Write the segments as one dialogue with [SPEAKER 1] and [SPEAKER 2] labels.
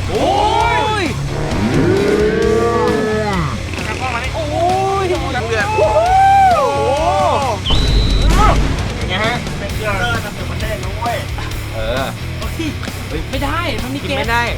[SPEAKER 1] โอ้ยกล้องมาดิโอ้ยน้ำเดือดโอ้ยังไงฮะเป็นเกลือน้ำเดือดมันแดงนะเว้ย
[SPEAKER 2] ไม่ได้มันมีเกม
[SPEAKER 1] ไม่ได้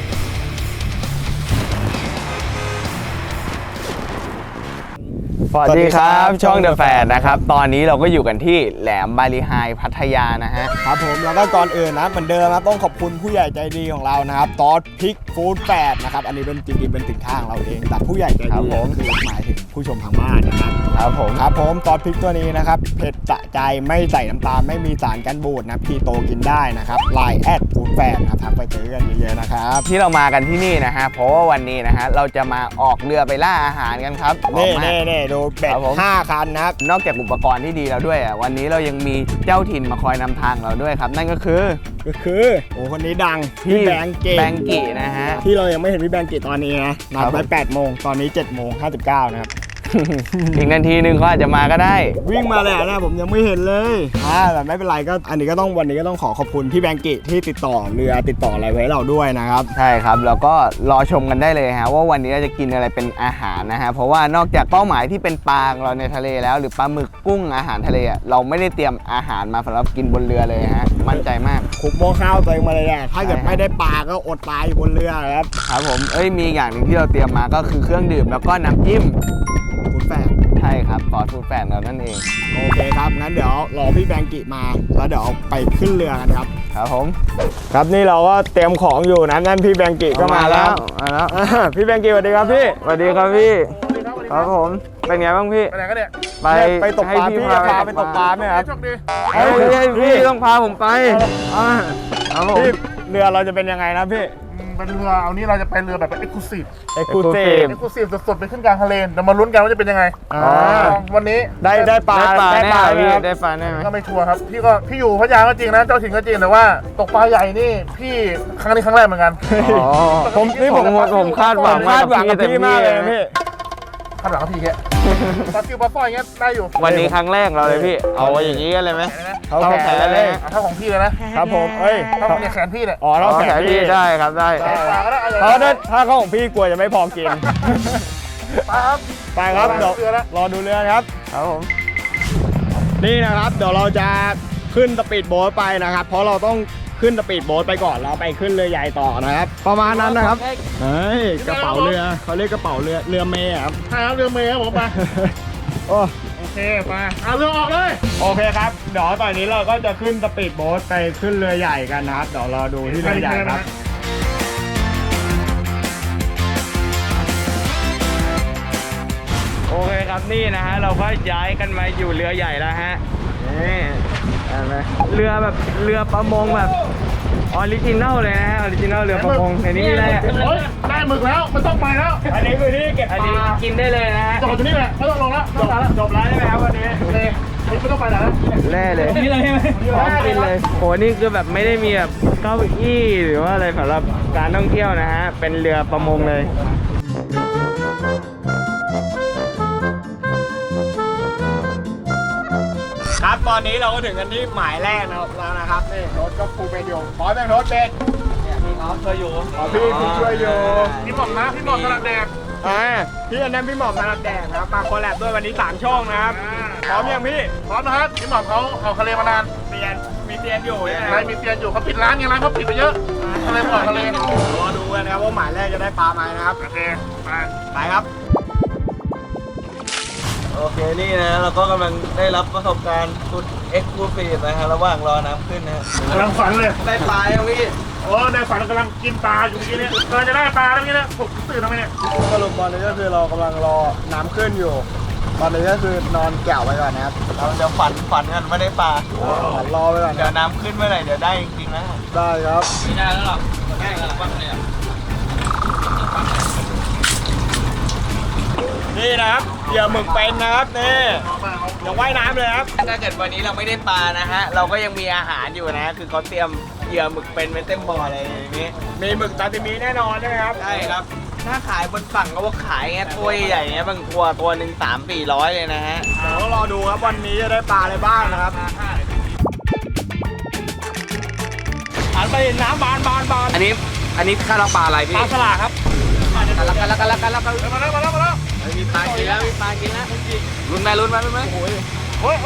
[SPEAKER 1] สวัสดีครับช่องเดอะแฟร์นะครับตอนนี้เราก็อยู่กันที่แหลมบาลีไฮพัทยานะฮะ
[SPEAKER 3] ครับผมแล้วก็ก่อนอื่นนะเหมือนเดิมนะต้องขอบคุณผู้ใหญ่ใจดีของเรานะครับตอสพริกฟู้ดแฟร์นะครับอันนี้เป็นจริงๆเป็นสินค้าของเราเองแต่ผู้ใหญ่ใจดีคือหมายถึงผู้ชมทางบ้านนะครับ
[SPEAKER 1] ครับ
[SPEAKER 3] ผมตอสพริกตัวนี้นะครับเผ็ดสะใจไม่ใส่น้ำตาลไม่มีสารกันบูดนะคีโตกินได้นะครับไลน์แอดฟู้ดแฟร์นะครับทักไปเจอกันเยอะๆนะครับ
[SPEAKER 1] ที่เรามากันที่นี่นะฮะเพราะว่าวันนี้นะฮะเราจะมาออกเรือไปล่าอาหารกันครับ
[SPEAKER 3] นี่ดูเป็ด5 คันนะครับ
[SPEAKER 1] นอกจากอุปกรณ์ที่ดีแล้วด้วยวันนี้เรายังมีเจ้าถิ่นมาคอยนำทางเราด้วยครับนั่นก็คือ
[SPEAKER 3] โอ้คนนี้ดัง
[SPEAKER 1] พี่แบงกี้นะฮะ
[SPEAKER 3] ที่เรายังไม่เห็นพี่แบงกี้ตอนนี้นะนัดไว้8 โมงตอนนี้7 โมง 59นะครับ
[SPEAKER 1] อีกนาทีนึงเขาอาจจะมาก็ได้
[SPEAKER 3] วิ่งมาเลยนะผมยังไม่เห็นเลยแต่ไม่เป็นไรก็อันนี้ก็ต้องวันนี้ก็ต้องขอบคุณพี่แบงกี้ที่ติดต่อเรือติดต่ออะไรไว้เราด้วยนะครับ
[SPEAKER 1] ใช่ครับแล้วก็รอชมกันได้เลยฮะว่าวันนี้เราจะกินอะไรเป็นอาหารนะฮะเพราะว่านอกจากเป้าหมายที่เป็นปลาของเราในทะเลแล้วหรือปลาหมึกกุ้งอาหารทะเลเราไม่ได้เตรียมอาหารมาสำหรับกินบนเรือเลยฮะมั่นใจมาก
[SPEAKER 3] คุกหม้อข้าวตัวเองมาเลยนะถ้าเกิดไม่ได้ปลาก็อดตายอยู่บนเรือ
[SPEAKER 1] ครับผมมีอย่างหนึ่งที่เราเตรียมมาก็คือเครื่องดื่มแล้วก็น้ำจิ้ม
[SPEAKER 3] ฟู้ดแฟร์
[SPEAKER 1] ใช่ครับซอสฟู้ดแฟร์เรานั่นเอง
[SPEAKER 3] โอเคครับงั้นเดี๋ยวรอพี่แบงกี้มาแล้วเดี๋ยวไปขึ้นเรือกันครับ
[SPEAKER 1] ครับผม
[SPEAKER 3] ครับนี่เราก็เตรียมของอยู่นะนั่นพี่แบงกี้ก็มาแล้วพี่แบงกี้สวัสดีครับพี่
[SPEAKER 1] สวัสดีครับพี่ครับผมเป็นไงบ้างพี่
[SPEAKER 3] ไปไหนกันเนี่ย
[SPEAKER 1] ไป
[SPEAKER 3] ตกปลาพี่พาไปตกปลาไหมครับ
[SPEAKER 1] พี่ต้องพาผมไปครับผม
[SPEAKER 3] เรือเราจะเป็นยังไงนะพี่
[SPEAKER 4] เป็นเรือเอานี้เราจะไปเรือแบบเอ็กซ์คลูซีฟสดๆไปขึ้นกลางทะเลแต่มาลุ้นกันว่าจะเป็นยังไงวันนี้
[SPEAKER 3] ได้ปลา
[SPEAKER 1] ได้ปลาแน่ไหม
[SPEAKER 4] ก็ไม่ชัวร์ครับพี่อยู่พัทยาก็จริงนะเจ้าถิ่นก็จริงแต่ว่าตกปลาใหญ่นี่พี่ครั้งนี้ครั้งแรกเหมือนกัน
[SPEAKER 1] ผมคาดหวัง
[SPEAKER 3] กับพี่มากเลยพี่
[SPEAKER 4] คาดหวังกับพี่แค่ปลาซิวปลาสร้อยเงี้ยได้อยู่
[SPEAKER 1] วันนี้ครั้งแรกเราเลยพี่เอาอย่างนี้กันเลยไหม
[SPEAKER 3] เขาแขนเลย
[SPEAKER 4] เท่าของพี่เลยนะครับ
[SPEAKER 3] ผม
[SPEAKER 4] เท่าเนี่ยแขนพี่เนี่ย
[SPEAKER 3] เราแขนพี่
[SPEAKER 1] ได้ครับได้
[SPEAKER 3] เพราะถ้าเขาของพี่กลัวจะไม่พอกินไปครับเดี๋ยวรอดูเรือครับ
[SPEAKER 1] ครับผม
[SPEAKER 3] นี่นะครับเดี๋ยวเราจะขึ้นสปีดโบ๊ทไปนะครับเพราะเราต้องขึ้นสปีดโบ๊ทไปก่อนแล้วไปขึ้นเรือใหญ่ต่อนะครับประมาณนั้นนะครับกระเป๋าเรือเขาเรียกกระเป๋าเรือเมย์ครับ
[SPEAKER 4] ใช่ครับเรือเมย์ครับผมไปโอเคไปเอาเรือออกเลย
[SPEAKER 3] โอเคครับเดี๋ยวตอนนี้เราก็จะขึ้นสปีดโบ๊ทไปขึ้นเรือใหญ่กันนะครับเดี๋ยวรอดูที่เรือใหญ่ครับ
[SPEAKER 1] โอเคครับนี่นะฮะเราก็ย้ายกันมาอยู่เรือใหญ่แล้วฮะนี่เรือแบบเรือประมงแบบออริจินัลเลยนะฮะออริจินัลเรือประมงในนี้ได้
[SPEAKER 4] ได้หมึกแล้วไม่ต้องไปแล้ว
[SPEAKER 3] อันนี้คือที่เก็บปลา
[SPEAKER 1] กินได้เลยนะฮะ
[SPEAKER 4] จบที่นี่แหละไม่ต้องลงแล้ว
[SPEAKER 3] จบแล้วใช่ไหมครับวันนี้
[SPEAKER 4] ไม่ต้องไปแล้ว
[SPEAKER 1] แร่เลย
[SPEAKER 2] นี่เลยใช่ไหม
[SPEAKER 1] พร้อมกินเลยโหนี่คือแบบไม่ได้มีแบบเก้าอี้หรือว่าอะไรสำหรับการท่องเที่ยวนะฮะเป็นเรือประมงเลย
[SPEAKER 3] ครับตอนนี้เราก็ถึงกันที่หมายแรกแล้วนะครับนี่รถก็ปูเป็นอยู่พร้อมยังรถเป็น
[SPEAKER 1] เนี่ยพี่เขาช่วยอยู่
[SPEAKER 3] พี่ช่วยอยู่
[SPEAKER 4] พี่หม่อมนะพี่หม่อมถนัดแดก
[SPEAKER 3] พี่อันนั้นพี่หม่อมถนัดแดกนะครับมาคอลแลบด้วยวันนี้3 ช่องนะครับพร้อมยังพี่
[SPEAKER 4] พร้อมนะครับพี่หม่อมเขาออกทะเลมานาน
[SPEAKER 3] มีเตียนอยู่
[SPEAKER 4] มีเตียนอยู่เขาปิดร้านร้านเขาปิดไปเยอะทะเลออกทะเล
[SPEAKER 3] รอดูกันนะครับว่าหมายแรกจะได้ปลาไหมนะครับ
[SPEAKER 4] โอเค
[SPEAKER 3] ไปครับ
[SPEAKER 1] โอเคนี่นะเราก็กำลังได้รับประสบการณ์สุดเอ็กซ์คลูซีฟนะฮะระหว่างรอน้ำขึ้นนะ
[SPEAKER 4] กำลังฝันเลย
[SPEAKER 1] ได้ปลาอย่างนี้
[SPEAKER 4] ในฝันกำลังกินปลาอยู่เมื่อกี้เนี่ยกำลังจะได้ปลาแล้วเมื่อกี้เนี่ยผมตื่นทำไมเนี่ย
[SPEAKER 3] สรุปตอนนี้ก็คือเรากำลังรอน้ำขึ้นอยู่ตอนนี้ก็คือนอนแก่วไปก่อนนะครับ
[SPEAKER 1] เราจะฝันกันไม่ได้ปลา
[SPEAKER 3] ฝันรอไปก่อน
[SPEAKER 1] เดี๋ยวน้ำขึ้นเมื่อไหร่เดี๋ยวได้จริงๆนะ
[SPEAKER 3] ได้ครับ
[SPEAKER 2] ไม่ได้แล้วหรอกได้แล้วบ้างเลย
[SPEAKER 3] นี่นะครับเหยื่อหมึกเป็นนะครับนี่ยังว่ายน้ำเลยครับ
[SPEAKER 1] ถ้าเกิดวันนี้เราไม่ได้ปลานะฮะเราก็ยังมีอาหารอยู่นะคือเขาเตรียมเหยื่อหมึกเป็นเต็มบ่ออะไรอย่างนี้
[SPEAKER 3] มีหมึกซาซิมิแน่นอนใช่ไหมครับ
[SPEAKER 1] ใช่ครับถ้าขายบนฝั่งก็ว่าขายเงี้ยตัวใหญ่เงี้ยบางตัวหนึ่ง300-400เลยนะฮะ
[SPEAKER 3] เดี๋ยวรอดูครับวันนี้จะได้ปลาอะไรบ้างนะครับหันไปน้ำบาน
[SPEAKER 1] อันนี้อันนี้ข้าวราปลาอะไรพี่
[SPEAKER 2] ปลาสลาครับ
[SPEAKER 1] กันแล้ว
[SPEAKER 4] มาแล้วมาแล้วมาแล้ว
[SPEAKER 1] มีปลากินแล้วมีปลากินแล้วลุ้นไหมลุ้นไหมลุ้นไหม
[SPEAKER 4] โอ้ย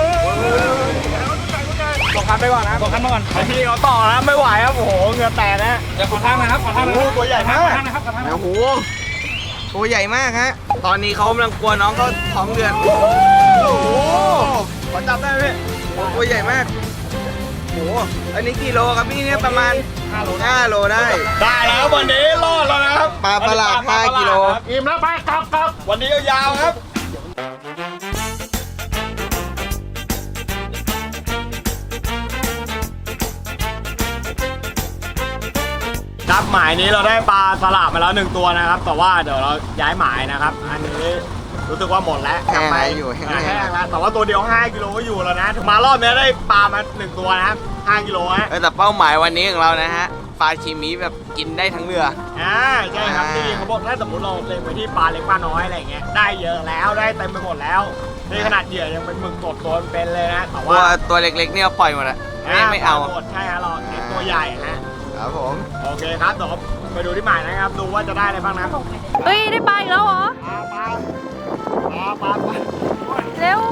[SPEAKER 3] บอกคันไปก่อนนะ
[SPEAKER 2] บอกขั้นมาก่อน
[SPEAKER 3] พี่เขาต่อนะไม่ไหวครับโอ้โหเหงื่อแตกนะ
[SPEAKER 2] เดี๋ยวขอทางนะครับขอทางนะครับ
[SPEAKER 3] ตัวใหญ่มาก
[SPEAKER 2] ขอทางนะครับขอทางนะค
[SPEAKER 1] โอ้
[SPEAKER 2] รับ
[SPEAKER 1] โหตัวใหญ่มากฮะตอนนี้เขากำลังกลัวน้องเขาท้องเดือดโอ้โหขอจับได้ไหมโอ้ตัวใหญ่มากโอ้โหอันนี้กี่โลครับพี่เนี่ยประมาณ5 โลได้
[SPEAKER 3] ได้แล้ววันนี้รอดแล้วนะครับ
[SPEAKER 1] ปลาประหลาด5 กิโล
[SPEAKER 4] อิ่มแล้วไปกลับ
[SPEAKER 3] วันนี้ยาวๆครับครับหมายนี้เราได้ปลาสลับมาแล้ว1 ตัวนะครับ แต่ว่าเดี๋ยวเราย้ายหมายนะครับ อันนี้รู้สึกว่าหมดแล้ว
[SPEAKER 1] แห้ง
[SPEAKER 3] ไป
[SPEAKER 1] แล้วอยู่แห้งแล้ว
[SPEAKER 3] แห้งแล้วแต่ว่าตัวเดียว5 กิโลก็อยู่แล้วนะถึงมารอบนี้ได้ปลามา1 ตัวนะครับ5 กิโลฮะ
[SPEAKER 1] แต่เป้าหมายวันนี้ของเรานะฮะปลาชิมิแบบกินได้ทั้งเรือ
[SPEAKER 3] ใช่ครับนี่เขาบอกถ้าสมมติเราเล็งไปที่ปลาเล็กปลาน้อยอะไรอย่างเงี้ยได้เยอะแล้วได้เต็มไปหมดแล้วในขนาดเหยื่อยังเป็นหมึกสดตัวเป็นเลยนะแต่
[SPEAKER 1] ตัว
[SPEAKER 3] ว่า
[SPEAKER 1] ตัวเล็กๆเนี่ยปล่อยหมดอะไม่เอา
[SPEAKER 3] หมดใช่ฮะเราเน้นตัวใหญ่ฮะ
[SPEAKER 1] ครับผม
[SPEAKER 3] โอเคครับเดี๋ยวไปดูที่หมายนะครับดูว่าจะได้อะไรบ้างนะ
[SPEAKER 5] เฮ้ย ได้ปลาอีกแล้วเหรอ
[SPEAKER 3] ปลา
[SPEAKER 5] เร็ว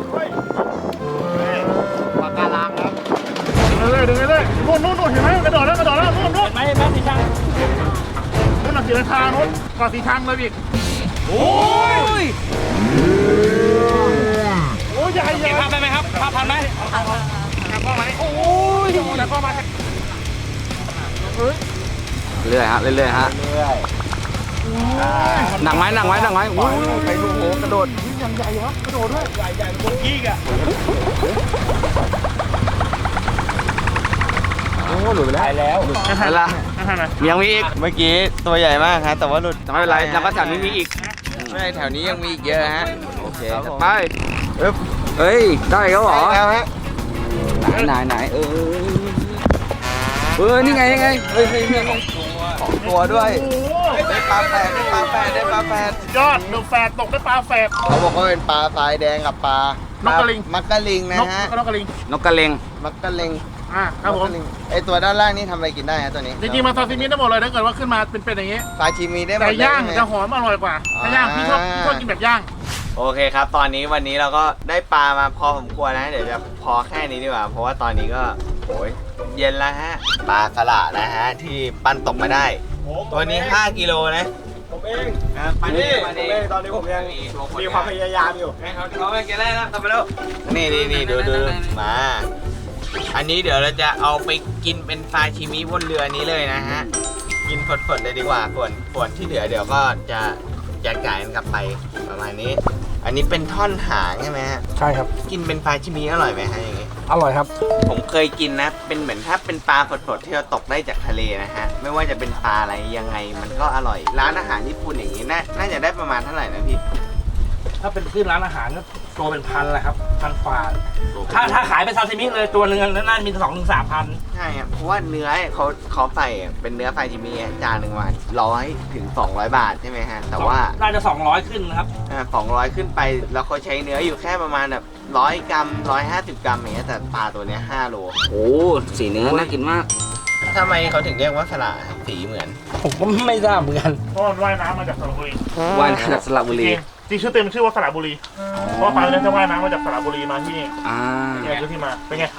[SPEAKER 3] ปลาการังครับ
[SPEAKER 4] ดึงเลยนู่นเห็นไหมกระโดดแล้วนู่น
[SPEAKER 2] เห็นไหมแม่สีช่าง
[SPEAKER 4] หนักสีราคานู่นก่อนสีทางเลยอีก
[SPEAKER 1] โอ้ย
[SPEAKER 4] โอ้ยใหญ่
[SPEAKER 2] เก็บภาพได้ไหมครับภาพทันไหม
[SPEAKER 4] โอ้ยแล้วก็มา
[SPEAKER 1] เรื่อยฮะเรื่อยฮะหนักไหมอุ้ยไปดูโหกระโดด
[SPEAKER 3] ใหญ่บนกี้อ่ะ
[SPEAKER 1] โอ้หลุดไปแล้วหลุดไปละยังมีอีกเมื่อกี้ตัวใหญ่มากฮะแต่ว่าหลุดไม่เป็นไรแล้วก็แถวนี้มีอีกไม่แถวนี้ยังมีอีกเยอะฮะโอเคไปเฮ้ยได้แล้วเหรอแล้วฮะไหนนี่ไงเฮ้ยของตัวด้วยได้ปลาแฝดได้ปลาแฝด
[SPEAKER 4] ยอดเดือแฝดตกได้ปลาแฝด
[SPEAKER 1] เขาบอกว่าเป็นปลาทรายแดงกับปลาน
[SPEAKER 4] กกระลิง
[SPEAKER 1] มักกะลิงนะฮะ
[SPEAKER 4] นกกระลิง
[SPEAKER 1] นกกระเลงมักกะเลง
[SPEAKER 4] ครับผม
[SPEAKER 1] ไอตัวด้านล่างนี่ทำอะไรกินได้ฮะตัวนี้
[SPEAKER 4] จริงๆมันซาซิมิได้หมดเลยถ้าเกิดว่าขึ้นมาเป็นอย่างนี้
[SPEAKER 1] ปลาชิมีได้หมด
[SPEAKER 4] แต่
[SPEAKER 1] เลย
[SPEAKER 4] ย่าง
[SPEAKER 1] ใช่ไหม
[SPEAKER 4] จะหอมอร่อยกว่าถ้าย่างพี่ชอบกินแบบย่าง
[SPEAKER 1] โอเคครับ ตอนนี้วันนี้เราก็ได้ปลามาพอสมควรนะ เดี๋ยวจะพอแค่นี้ดีกว่า เพราะว่าตอนนี้ก็โอ้ยเย็นแล้วฮะ ปลาสละนะฮะ ที่ปั้นตกมาได้ ตัวนี้ 5 กิโลนะ
[SPEAKER 3] ผมเอง
[SPEAKER 1] ปลานี้
[SPEAKER 3] ผมเองตอนนี้ผมยังมีความพยายามอยู่
[SPEAKER 1] เขาไม่กินแล้วกลับไปแล้วนี่ดูมา อันนี้เดี๋ยวเราจะเอาไปกินเป็นซาชิมิบนเรือนี้เลยนะฮะ กินสดๆเลยดีกว่าส่วนที่เหลือเดี๋ยวก็จะแยกจ่ายกันกลับไปประมาณนี้ อันนี้เป็นท่อนหางใช่ไหมฮะ
[SPEAKER 4] ใช่ครับ
[SPEAKER 1] กินเป็นปลาชิมิอร่อยไหมฮะอย่างงี้
[SPEAKER 4] อร่อยครับ
[SPEAKER 1] ผมเคยกินนะ เป็นเหมือนถ้าเป็นปลาสดๆที่เราตกได้จากทะเลนะฮะ ไม่ว่าจะเป็นปลาอะไรยังไงมันก็อร่อย ร้านอาหารญี่ปุ่นอย่างนี้น่าจะได้ประมาณเท่าไหร่นะพี่
[SPEAKER 2] ถ้าเป็นขึ้นร้านอาหารก็ตัวเป็นพันแหละครับพันฝ่าถ้าขายเป็นซาซิมิเลยตัวหนึ่งน่าจะมี2-3,000
[SPEAKER 1] ใช่ครับเพราะว่าเนื้อเขาใส่เป็นเนื้อซาชิมิจานหนึ่งวัน100 ถึง 200 บาทใช่ไหมฮะ แต่ว่า
[SPEAKER 2] น่าจะ200ขึ้นนะครับ
[SPEAKER 1] 200 ขึ้นไปแล้วเขาใช้เนื้ออยู่แค่ประมาณแบบ100 กรัม 150 กรัมอย่างเงี้ยแต่ปลาตัวเนี้ย5 โล
[SPEAKER 6] โอ้สีเนื้อน่ากินมาก
[SPEAKER 1] ทำไมเขาถึงเรียกว่าสละสีเหมือน
[SPEAKER 2] ผมก็ไม่ทราบเหมือนกัน
[SPEAKER 4] เพราะมันว่ายน้ำมาจากสระบุรี
[SPEAKER 6] วานจากสระบุรี
[SPEAKER 4] จริงชื่อเต็มชื่อว่าสระบุรีเพราะว่าปลาเนี่ยจะว่ายน้ำมาจากสระบุรีมาที่นี่
[SPEAKER 6] อ่า
[SPEAKER 4] นี่คือที่มาเป็นไง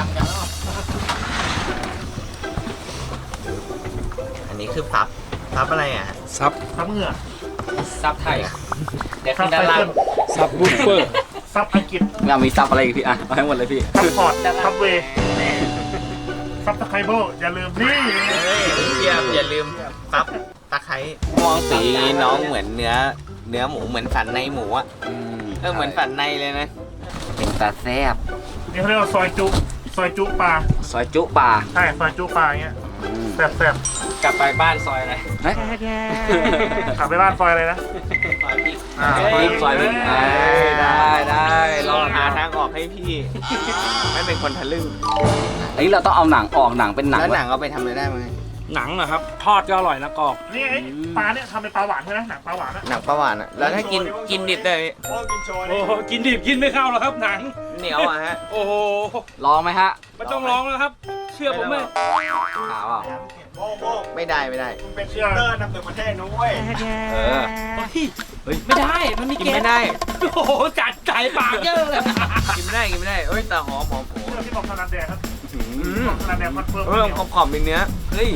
[SPEAKER 1] อันนี้คือซับอะไรอ่ะ
[SPEAKER 4] ซับเหงื่อ
[SPEAKER 2] ซับไทยเดี๋ยว
[SPEAKER 4] ซั
[SPEAKER 2] ขึ้
[SPEAKER 4] บ
[SPEAKER 2] นด้าน
[SPEAKER 4] ไต
[SPEAKER 2] ล่าง
[SPEAKER 4] เติ้ล
[SPEAKER 6] ซับบุฟเฟอร์
[SPEAKER 4] ซับอังกฤษ
[SPEAKER 6] เรามีซับอะไรอีกพี่อ่ะเอาให้หมดเลยพี่
[SPEAKER 4] ซับพอร์ตซับเวย์ซับสไครเบิลอย่าลืมนี่
[SPEAKER 1] เทียบอย่าลืมซับตะไคร้มองสีน้องเหมือนเนื้อหมูเหมือนสันในหมูอ่ะเหมือนสันในเลยนะ
[SPEAKER 6] เป็นตาแซบ
[SPEAKER 4] นี่เขาเรียกว่าซอยจุปลา
[SPEAKER 6] ซอยจุปลา
[SPEAKER 4] ใช่ซอยจุปลาอย่างเงี้ยแซ่บ
[SPEAKER 2] กลับไปบ้านซอยอะไร
[SPEAKER 6] เฮ้ย
[SPEAKER 4] ๆขับไปบ้านซอยเลยนะ
[SPEAKER 2] ซอยพริก
[SPEAKER 6] รีบซอยรีบได้ร
[SPEAKER 1] ร
[SPEAKER 6] อ
[SPEAKER 1] อ
[SPEAKER 6] ด
[SPEAKER 1] หาทางออกให้พี่ ไม่เป็นคนทะลึ่ง
[SPEAKER 6] อันนี้เราต้องเอาหนังออกหนังเป็นหนัง
[SPEAKER 1] แล้วหนังเอาไปทำอะไรได้ไหม
[SPEAKER 2] หนังนะครับทอดก็อร่อยนะกรอบ
[SPEAKER 4] นี่ไอ้ปลาเนี่ยทำเป็นปลาหวานใช่ไหมหนังปลาหวานอะ
[SPEAKER 1] หนังปลาหวานอ่ะแล้วถ้ากินดิบได้ไหม
[SPEAKER 3] พ่อกินโชว์
[SPEAKER 2] โอ้
[SPEAKER 3] นี่
[SPEAKER 2] โหกินดิบกินไม่เข้าหรอกครับหนัง
[SPEAKER 1] เหนียวอ่ะฮะ
[SPEAKER 2] โอ้โห
[SPEAKER 6] ลองไหมฮะ
[SPEAKER 2] ไม่ต้องร้องแล้วครับ เชื่อผมไหม
[SPEAKER 6] ขาวอ่ะ
[SPEAKER 3] โบ้ง
[SPEAKER 1] ไม่ได้ไม่ได้
[SPEAKER 3] เป็นเชียร์เตอร์นำหนึ่งประเทศนะเว้ย
[SPEAKER 1] เออ
[SPEAKER 2] เฮ้ยไม่ได้มันมี
[SPEAKER 1] กิน
[SPEAKER 2] เกล็ด
[SPEAKER 1] ไม่ได้
[SPEAKER 2] โอ้โหจัดใจปากเยอะเลย
[SPEAKER 1] กินไม่ได้กินไม่ได้เอ้ยแต่หอมโอ้
[SPEAKER 4] เรื่องที่บอกขนาดแดงครับ
[SPEAKER 1] อืม
[SPEAKER 4] ขนาดแดงคอนเฟิร์ม
[SPEAKER 1] เริ่มขอบๆเป็นเนื้อเฮ้ย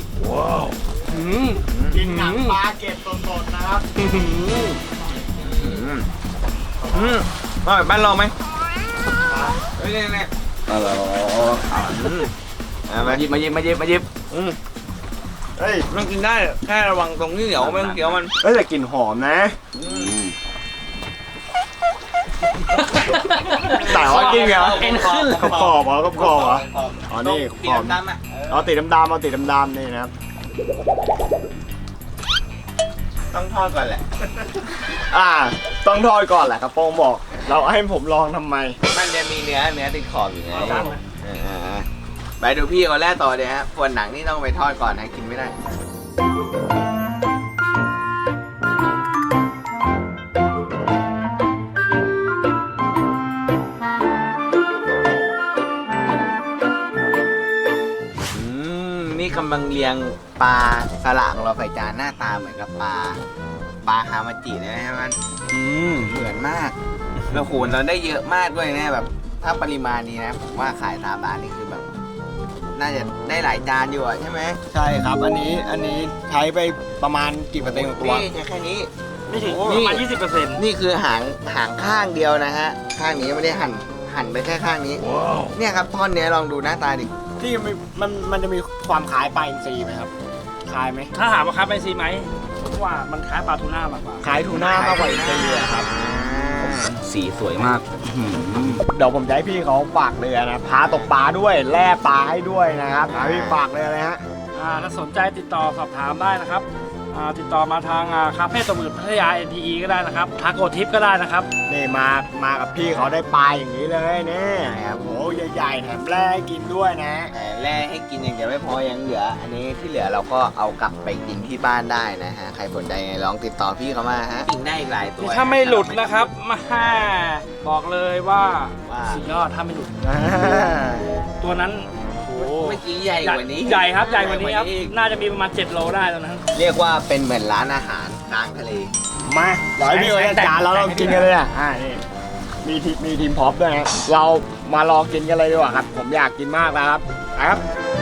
[SPEAKER 3] กินหนังปลาเกล็ดสดๆนะครับ
[SPEAKER 1] อร่อยบ้านเราไหมเฮ้ยเนี่ย
[SPEAKER 6] มาหยิบมาหยิบมาหยิบมาหยิบ
[SPEAKER 3] เฮ้ย
[SPEAKER 1] มันกินได้แค่ระวังตรงนี้เหนียวไม่ต้องเคี้ยวมัน
[SPEAKER 3] เอ้ยแต่กลิ่นหอมนะ แต่ว่ากินเหรอ
[SPEAKER 2] เอ็นขึ้น
[SPEAKER 3] กรอบๆเหรอกรอบๆเหรอ อ๋อนี่
[SPEAKER 1] ปี
[SPEAKER 3] ขอบ
[SPEAKER 1] ดำๆอ่ะ
[SPEAKER 3] เอาติดดำๆเอาติดดำๆนี่นะครับ
[SPEAKER 1] ต้องทอดก่อนแหละ
[SPEAKER 3] ต้องทอดก่อนแหละครับโป้งบอก เราให้ผมลองทำไม
[SPEAKER 1] มันจะมีเนื้อติดขอบอยู่ไงไปดูพี่เขาแรกต่อเลยฮะส่วนหนังนี่ต้องไปทอดก่อนนะกินไม่ได้นี่กำลังเรียงปลาสละของเราใส่จานหน้าตาเหมือนกับปลาฮามาจิเลยนะมันเหมือนมากแล้วโหเราได้เยอะมากด้วยนะแบบถ้าปริมาณนี้นะผมว่าขายตามร้านนี่คือแบบ น่าจะได้หลายจานอยู่อะใช่ไหม
[SPEAKER 3] ใช่ครับ อันนี้ใช้ไปประมาณกี่เปอร์เซ็นต์ของตัว
[SPEAKER 1] นี่แค่นี้
[SPEAKER 2] ไม่ถึง
[SPEAKER 1] โอ้
[SPEAKER 2] ประมาณ 20%
[SPEAKER 1] นี่คือหางข้างเดียวนะฮะ ข้างนี้ไม่ได้หั่นไปแค่ข้างนี้ เนี่ยครับท่อนเนี้ยลองดูหน้าตาดิ
[SPEAKER 3] ที่มันจะมีความคล้ายปลาอินทรีไหมครับ คล้ายไหม
[SPEAKER 2] ถ้าถามว่าคล้ายเป็นซีไหมผมว่ามันคล้ายปลาทูน่ามากกว่า
[SPEAKER 3] คล้ายทูน่ามากกว่าอินทรีอะครับ
[SPEAKER 6] สีสวยมาก
[SPEAKER 3] เดี๋ยวผมจะให้พี่เขาฝากเรือนะพาตกปลาด้วยแล่ปลาให้ด้วยนะครับพี่ฝากเรือเลยฮะ
[SPEAKER 2] ถ้าสนใจติดต่อสอบถามได้นะครับ ติดต่อมาทางคาเฟ่ตะมืดพัทยา NPE ก็ได้นะครับทาโกทิปก็ได้นะครับ
[SPEAKER 3] นี่มากับพี่เขาได้ปลาอย่างนี้เลยนี่
[SPEAKER 1] ครับ
[SPEAKER 3] โอ้ใหญ่ๆแถมแร่ให้กินด้วยนะ
[SPEAKER 1] แต่แร่ให้กินอย่างเดียวไม่พอยังเหลือ อันนี้ที่เหลือเราก็เอากลับไปกินที่บ้านได้นะฮะ ใครสนใจไงลองติดต่อพี่เขามาฮะกินได้อีกหลายตัว
[SPEAKER 2] ถ้าไม่หลุดนะครับมาบอกเลยว่า
[SPEAKER 1] ว่า
[SPEAKER 2] สุดยอดถ้าไม่หลุด ตัวนั้นโอ้โห
[SPEAKER 1] เมื่อกี้ใหญ่กว่านี้
[SPEAKER 2] ใหญ่ครับใหญ่กว่านี้ครับ
[SPEAKER 1] อีก
[SPEAKER 2] น่าจะมีประมาณ7 โลได้ตัวนั้น
[SPEAKER 1] เรียกว่าเป็นเหมือนร้านอาหารกลางทะเล
[SPEAKER 3] มาเดี๋ยวให้พี่เขาจัดจานแล้วเรากินกันเลยอ่ะนี่มีทีมพร็อปด้วยนะเรามาลองกินกันเลยดีกว่าครับ ผมอยากกินมากแล้วครับครับ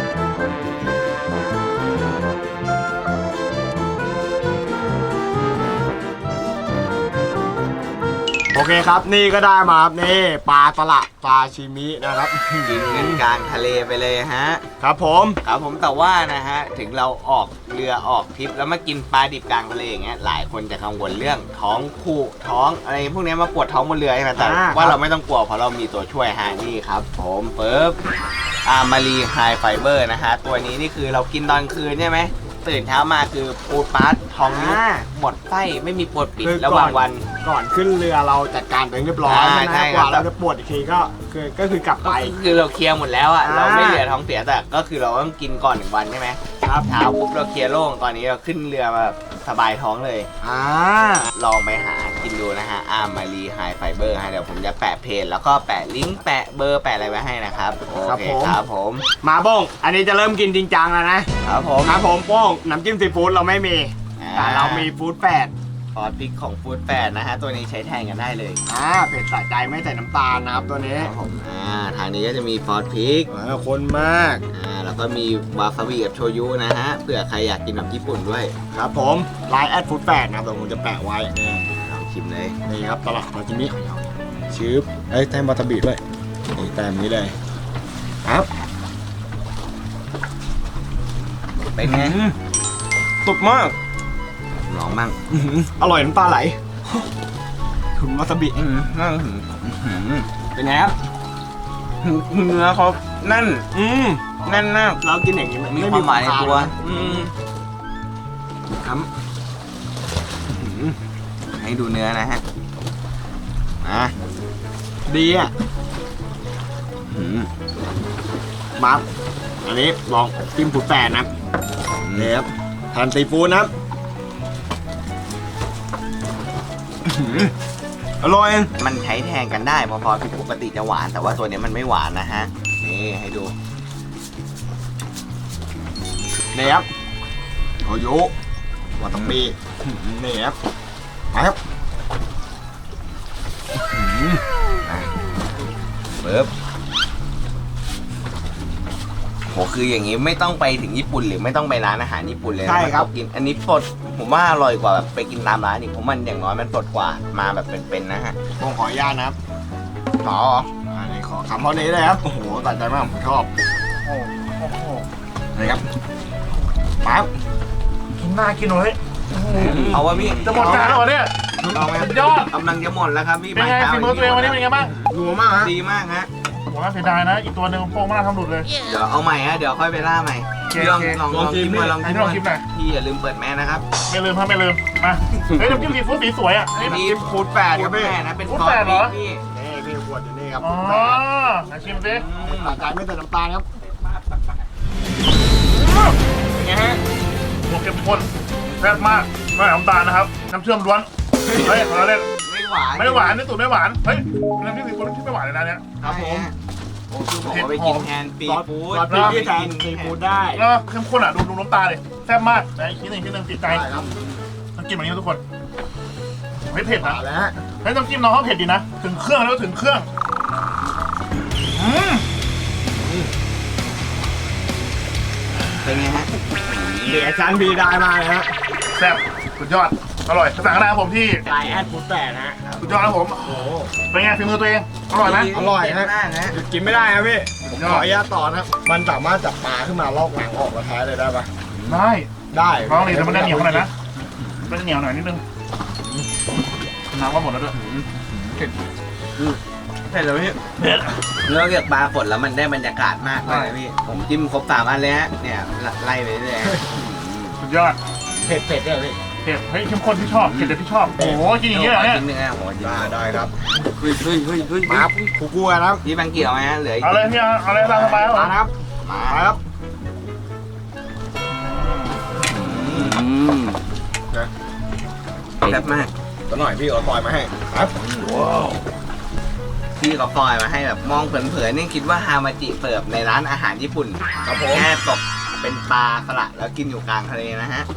[SPEAKER 3] โอเคครับนี่ก็ได้มาครับนี่ปลาตละปลาชิมินะครับ
[SPEAKER 1] กินกันกลางทะเลไปเลยฮะ
[SPEAKER 3] ครับผม
[SPEAKER 1] ครับผมแต่ว่านะฮะถึงเราออกเรือออกทริปแล้วมากินปลาดิบกลางทะเลอย่างเงี้ยหลายคนจะกังวลเรื่องท้องผูกท้องอะไรพวกเนี้ยมาปวดท้องบนเรือใช่ไหมแต่ว่าเราไม่ต้องกลัวเพราะเรามีตัวช่วยฮะนี่ครับผมปึ๊บมารีไฮไฟเบอร์นะฮะตัวนี้นี่คือเรากินตอนคืนใช่ไหมตื่นเช้ามาคือปูดปัสท้องยุบหมดไส้ไม่มีปวดปิดระหว่างวัน
[SPEAKER 3] ก่อนขึ้นเรือเราจัดการตัวเองเรียบร้อย
[SPEAKER 1] ใช่
[SPEAKER 3] ใช่ไหม
[SPEAKER 1] ใช่
[SPEAKER 3] กว่า
[SPEAKER 1] ครับ
[SPEAKER 3] เราจะปวดอีกทีก็คือกลับไป
[SPEAKER 1] คือเราเคลียร์หมดแล้วอ่ะ
[SPEAKER 3] อ่า
[SPEAKER 1] เราไม่เหลือท้องเสียแต่ก็คือเราต้องกินก่อน1 วันใช่ไหม
[SPEAKER 3] ครับ
[SPEAKER 1] เช้าปุ๊บเราเคลียร์โล่งตอนนี้เราขึ้นเรือมาแบบสบายท้องเลย ลองไปหากินดูนะฮะมารีไฮไฟเบอร์ฮะเดี๋ยวผมจะแปะเพจแล้วก็แปะลิงก์แปะเบอร์แปะอะไรไว้ให้นะครับโอเคครับผม
[SPEAKER 3] มาโป้งอันนี้จะเริ่มกินจริงจังแล้วนะครับผมโป้งน้ำจิ้มซีฟู้ดเราไม่มีแต่เรามีฟู้ดแปด
[SPEAKER 1] ซอสพริกของฟู้ดแปดนะฮะตัวนี้ใช้แทนกันได้เลย
[SPEAKER 3] เผ็ดสะใจไม่ใส่น้ำตาลนะครับตัวนี้
[SPEAKER 1] ครับผมทางนี้ก็จะมีซอสพริก
[SPEAKER 3] คนมาก
[SPEAKER 1] แล้วก็มีวาซาบิกับโชยุนะฮะเผื่อใครอยากกินแบบญี่ปุ่นด้วย
[SPEAKER 3] ครับผมไลน์แอดฟู้ดแปดนะครับเดี๋ยวผมจะแปะไว้นี่
[SPEAKER 1] ลองชิมเลย
[SPEAKER 3] นี่ครับตลาดมาจิมิชืบแต้มวาซาบิด้วยนี่แต้มนี้เลยครับ
[SPEAKER 1] เป็นไง
[SPEAKER 3] สุดมาก
[SPEAKER 1] ลองมั่ง
[SPEAKER 3] อร่อยน้ำตาไหลถุนวาซาบิ
[SPEAKER 1] เป็นไงครับเนื้อเขาแน่นแน่นมาก
[SPEAKER 3] เรากินอย่างนี้
[SPEAKER 1] มีความหมายในตัว
[SPEAKER 3] ครับ
[SPEAKER 1] ให้ดูเนื้อนะฮะ
[SPEAKER 3] ดีอ่ะมาอันนี้ลองจิ้มฟู้ดแปดนะนี่ครับทานซีฟู้ดนะครับอร่อย
[SPEAKER 1] มันใช้แทนกันได้พอๆที่ปกติจะหวานแต่ว่าตัวนี้มันไม่หวานนะฮะนี่ให้ดู
[SPEAKER 3] นี่ครับยุวาตาบินี่ครับมาครับ
[SPEAKER 6] เบิร์บโหคืออย่างนี้ไม่ต้องไปถึงญี่ปุ่นหรือไม่ต้องไปร้านอาหารญี่ปุ่นเลยนะ
[SPEAKER 3] ใช่ครับ
[SPEAKER 6] กินอันนี้สดผมว่าอร่อยกว่าแบบไปกินตามร้านอีกผมมันอย่างน้อยมันสดกว่ามาแบบเป็นๆนะฮะ
[SPEAKER 3] ผมขออนุญาตนะครับต่ออันนี้ขอคำเท่านี้เลยครับ โอ้โหตัดใจมากผมชอบนี่ครับปั๊บ
[SPEAKER 4] กินหน้ากินหน่อย
[SPEAKER 6] เอาว่าพี่
[SPEAKER 4] จะหมดจานแล้วเหรอเนี่ย
[SPEAKER 6] เอาไหม
[SPEAKER 4] สุดยอด
[SPEAKER 6] กำลังจะหมดแล้วครับพี่
[SPEAKER 4] เป็นไงฝีมือตัวเองวันนี้เป็นไงบ้าง
[SPEAKER 3] นัวมากฮะ
[SPEAKER 6] ดีมากฮะ
[SPEAKER 4] โหน่าเสียดายนะ อีกตัวหนึ่งโป้งมากทำหลุดเลย
[SPEAKER 6] เดี๋ยวเอาใหม่ฮะเดี๋ยวค่อยไปล่าใหม่พี่ลอง
[SPEAKER 4] โอเค
[SPEAKER 6] ลองชิมมาลองชิม
[SPEAKER 4] ให้ลองชิมหน่อย
[SPEAKER 6] พี่อย่าลืมเปิดแมสนะครับ
[SPEAKER 4] ไม่ลืมครับไม่ลืม มาเฮ้ยน้ำจิ้มซีฟู้ดสีสวยอ่ะนี่
[SPEAKER 6] มี
[SPEAKER 3] ฟูดแปดครับพี่
[SPEAKER 6] แม่นะเป็น
[SPEAKER 4] ฟู้ด
[SPEAKER 6] ซอส
[SPEAKER 4] แปดเหรอ
[SPEAKER 6] พี่
[SPEAKER 3] นี่พี่ขวดอยู่นี่ครับ
[SPEAKER 4] อ๋อไหนชิมสิ
[SPEAKER 3] ตัดใจไม่ใส่น้ำตาลครับ
[SPEAKER 4] เป็นไงฮะหัวเข้มข้นแซ่บมากไม่น้ำตาลนะครับ น้ำเชื่อมล้วน เฮ้ยเราเล่น
[SPEAKER 6] ไม่หวาน
[SPEAKER 4] ไม่หวานนี่สูตรไม่หวาน เฮ้ยน้ำจิ้มซีฟู้ดที่ไม่หวานเลยนะเนี่ย
[SPEAKER 6] ครับผมโอ้คือผมเอาไปกินแทนซีฟู้ด
[SPEAKER 3] ซอสพริกที่แทนซีฟู้ดได้
[SPEAKER 4] แล้วเข้มข้นอ่ะดูน้ำตาเลยแซ่บมากแต่อีกทีหนึ่งติดใจ
[SPEAKER 3] ได้ครับ
[SPEAKER 4] ต้องกินแบบนี้ทุกคนไม่เผ็ดนะ
[SPEAKER 3] มาแล้วฮะ
[SPEAKER 4] เฮ้ยต้องจิ้มน้องเขาเผ็ดดีนะ ถึงเครื่องแล้วถึงเครื่องอืม
[SPEAKER 6] เป็นไงฮะ
[SPEAKER 3] เดี๋ยวชั้นบีได้มาเลยฮะ
[SPEAKER 4] แซ่บสุดยอดอร่อยสั่งกันได้ครับผมที่
[SPEAKER 3] ไลน์แอดฟูดแปดนะฮะ
[SPEAKER 4] สุดยอดครับผม
[SPEAKER 3] โอ้โห
[SPEAKER 4] เป็นไงฝีมือตัวเองอร่อยไหม
[SPEAKER 3] อร่อยฮะ
[SPEAKER 6] มากนะ
[SPEAKER 3] หยุดกินไม่ได้ครับพี่ผม
[SPEAKER 4] ยอด
[SPEAKER 3] ขออนุญาตต่อนะครับมันสามารถจับปลาขึ้นมาลอกหนังออกแล้วแท้เลยได้ปะ
[SPEAKER 4] ได้
[SPEAKER 3] ได้
[SPEAKER 4] ลองดิแต่มันจะเหนียวหน่อยนะมันจะเหนียวหน่อยนิดนึงน้ำก็หมดแล้วด้วย
[SPEAKER 6] เผ็ดเลยพี่
[SPEAKER 4] เผ็ด
[SPEAKER 6] นอกจากปลาฝนแล้วมันได้บรรยากาศมากเลยนะพี่ ผมจิ้มครบ3 อันเลยฮะ เนี่ยไล่ไปเรื่อย
[SPEAKER 4] สุดยอด
[SPEAKER 3] เผ็ดเนี่ยพี่
[SPEAKER 4] เผ็ดเฮ้ยเข้มข้นที่ชอบเผ็ดแต่ที่ชอบโอ้โหกินอย่างเงี้ยเหรอเนี่ย
[SPEAKER 6] กินเนื้อหัวจิ้ม
[SPEAKER 3] ได้ครับ
[SPEAKER 6] เฮ้ย
[SPEAKER 3] มาครับกูกลัวนะครับ
[SPEAKER 6] พี่บังเกี่ยวไหมฮะเหลืออีก
[SPEAKER 4] เอาเลยพี่เอาเลยตามสบายครับผม
[SPEAKER 3] มาครับ
[SPEAKER 6] มา
[SPEAKER 3] มาครับ
[SPEAKER 6] แซ่บมาก
[SPEAKER 3] ตัวหน่อยพี่เอาซอยมาให้ครับ
[SPEAKER 6] พี่เขาปล่อยมาให้แบบมองเผินๆนี่คิดว่าฮามาจิเสิร์ฟในร้านอาหารญี่ปุ่น
[SPEAKER 3] ครับผม
[SPEAKER 6] แค่ตกเป็นปลาสลัดแล้วกินอยู่กลางทะเลนะฮะ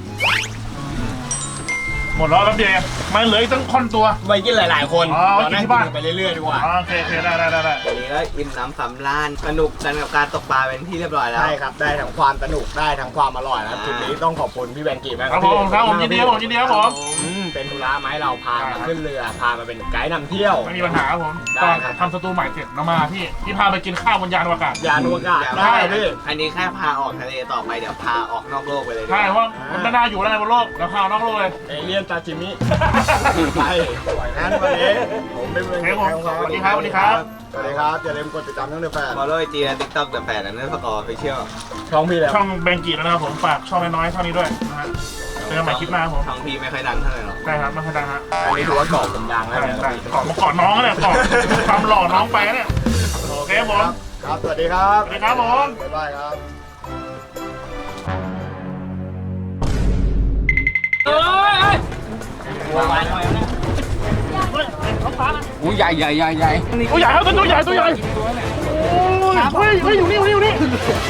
[SPEAKER 4] หมดแล้วแป๊บเดียวเองมันเหลืออีกตั้งค่อนตัว
[SPEAKER 3] ไปกินหลายๆคน
[SPEAKER 4] อ๋อ
[SPEAKER 3] เรานั่ง
[SPEAKER 4] กินที่บ้าน
[SPEAKER 3] ไปเรื่อยๆดีกว่า
[SPEAKER 4] อ๋อโอเคได้
[SPEAKER 6] วันนี้ก็อิ่มน้ำสำราญสนุกกันกับการตกปลาเป็นที่เรียบร้อยแล้ว
[SPEAKER 3] ใช่ครับ ได้ทั้งความสนุกได้ทั้งความอร่อยนะครับ
[SPEAKER 6] อ่า
[SPEAKER 3] จุดนี้ต้องขอบคุณพี่แบงกี้มาก
[SPEAKER 4] ครับผมครับผมยินดีครับผมยินดีครับผม
[SPEAKER 3] เป็นธุระไหมาให้เราพามาขึ้นเรือพามาเป็นไกด์นำเที่ยว
[SPEAKER 4] ไม่มีปัญหาครับผม
[SPEAKER 3] ได้
[SPEAKER 4] ตอน
[SPEAKER 3] ครับ
[SPEAKER 4] ทำสตูใหม่เสร็จเรามาพี่พาไปกินข้าวบนยานอวกาศ
[SPEAKER 3] ยานอวกาศ
[SPEAKER 6] ได้
[SPEAKER 3] ได้พี่
[SPEAKER 6] อันนี้แค่พาออกทะเลต่อไปเดี๋ยวพาออกนอกโลกไปเลยดีก
[SPEAKER 4] ใช่
[SPEAKER 6] ว่า
[SPEAKER 4] เพราะมันไม่น่าอยู่แล้วในบนโลกเราพานอกโลกเลย
[SPEAKER 3] เอเลี่ยนซาชิมิไปปล่อยนั้นวันนี้ผมเป็นเมือง
[SPEAKER 4] ครับผมสวัสดีครับสวัสดีครับ
[SPEAKER 3] สวัสดีครับอย่าลืมกดติดตามช่องเดือแฟน
[SPEAKER 6] ฟอลโล่ไอจีและทิกต็อกเดอะแฟนและเนื้อสกอร์ไปเชี่ยว
[SPEAKER 3] ช่องพี่แล้ว
[SPEAKER 4] ช่องแบงกี้แล้วนะครับผมฝากช่องน้อยๆเท่านี้ด้วยนะฮะเจอกันใหม่คลิปหน้าครับผม
[SPEAKER 6] ช่องพี่ไม่ค่อยดังเท่าไหร่หรอก
[SPEAKER 4] ได้ครับไม่ค่อยดังฮะ
[SPEAKER 3] อันนี้ถือว่าเกาะผมดังแล้ว
[SPEAKER 4] ได้
[SPEAKER 3] นะ
[SPEAKER 4] ได้กอดมาก่อนน้องเนี่ยกอดความหล่อน้องไปนะเนี่ยโอเคครับผม
[SPEAKER 3] ครับสวัสดีครับ
[SPEAKER 4] สวัสดีครับผม
[SPEAKER 3] บ๊ายบายครับ
[SPEAKER 6] อู้ใหญ่
[SPEAKER 4] ตัวใหญ่ครับตัวใหญ่โอ้ยเฮ้ยอยู่นี่